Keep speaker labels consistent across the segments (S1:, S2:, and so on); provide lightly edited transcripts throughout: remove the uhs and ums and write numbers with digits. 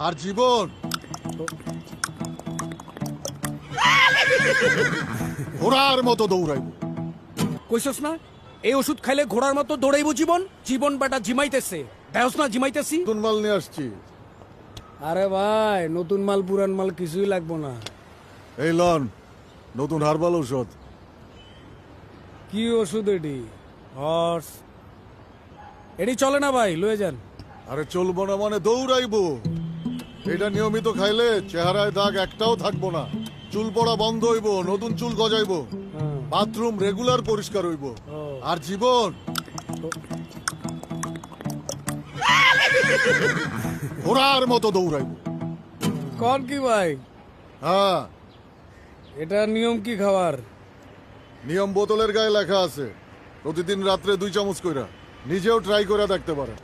S1: আর জীবন ঘোড়ার মতো দৌড়াইব।
S2: কইছস না এই ওষুধ খাইলে ঘোড়ার মতো দৌড়াইবো জীবন। জীবন বেটা জিমাইতেছে, দেহস না জিমাইতেছি।
S1: নতুন মাল নিয়ে আসছি।
S2: আরে ভাই নতুন মাল পুরান মাল কিছুই লাগবো না।
S1: এই লন নতুন হার্বাল ঔষধ।
S2: কি ওষুধ এটি? হর্স এটি চলে না ভাই, লয়ে যান।
S1: আরে চলবো না মানে দৌড়াইবো। এটা নিয়মিত খাইলে চেহারায় দাগ একটাও থাকবো না, চুল পড়া বন্ধ হইব, নতুন চুল গজাইবো, বাথরুম রেগুলার পরিষ্কার হইব। আর জীবন ঘোড়ার মতো দৌড়াইবো।
S2: কন কি ভাই?
S1: হ্যাঁ,
S2: এটা নিয়ম কি খাওয়ার?
S1: নিয়ম বোতলের গায়ে লেখা আছে, প্রতিদিন রাত্রে 2 চামচ কইরা। নিজেও ট্রাই করে দেখতে পারেন।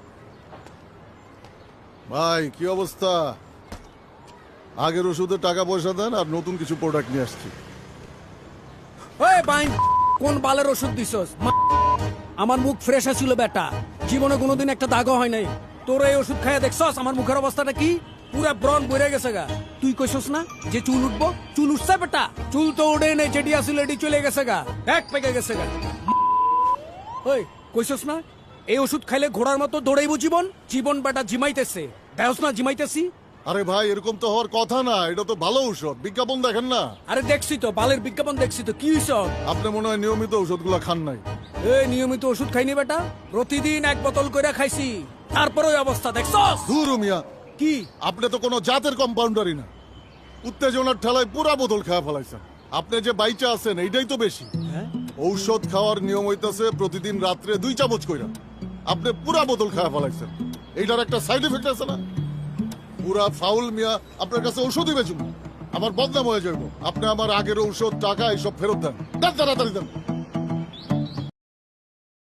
S1: ভাই কি অবস্থা? আগের ওষুধে টাকা পয়সা দেন আর নতুন কিছু প্রোডাক্ট নিয়ে আসছি।
S2: ওই বাইন কোন বালের ওষুধ দিছস? আমার মুখ ফ্রেশ আছিল বেটা, জীবনে কোনোদিন একটা দাগও হয় নাই। তোর এই ওষুধ খাইয়া দেখছস আমার মুখের অবস্থাটা কি? পুরা ব্রণ বইরে গেছে গা। তুই কইছস না যে চুল উঠবো, চুল উঠছে বেটা? চুল তো উঠে নেই, যেটি আসিল এটি চলে গেছে গা, এক পেকে গেছে গা। ওই কইছস না এই ওষুধ খাইলে ঘোড়ার মতো দৌড়াইবো জীবন। জীবন বেটা জিমাইতেছে, দেহস না জিমাইতেছি।
S1: আরে ভাই এরকম তো হওয়ার কথা না, এটা তো ভালো ঔষধ, বিজ্ঞাপন দেখেন না?
S2: আরে দেখছি তো, বালের বিজ্ঞাপন দেখছি তো, কি হইছ?
S1: আপনি মনে হয় নিয়মিত ঔষধগুলো খান নাই।
S2: এই নিয়মিত ওষুধ খাইনি বেটা, প্রতিদিন 1 বোতল করে খাইছি, তারপরে ওই অবস্থা দেখছস।
S1: ধুরু মিয়া,
S2: কি
S1: আপনি তো কোনো জাতের কম্পাউন্ডারই না। উত্তেজনার ঠেলায় পুরা বোতল খাওয়া ফেলাইছেন। আপনি যে বাইচা আছেন এইটাই তো বেশি। ঔষধ খাওয়ার নিয়ম হইতাছে প্রতিদিন রাত্রে 2 চামচ কইরা। আপনি পুরা বোতল খাওয়া ফেলাইছেন, এইটার একটা সাইড এফেক্ট আছে না? পুরা ফাউল মিয়া। আপনার কাছে ঔষধই বেচুন, আমার বদনাম হয়ে যাইব। আপনি আমার আগের ঔষধ, টাকা এইসব ফেরত দেন, দেন তাড়াতাড়ি দেন।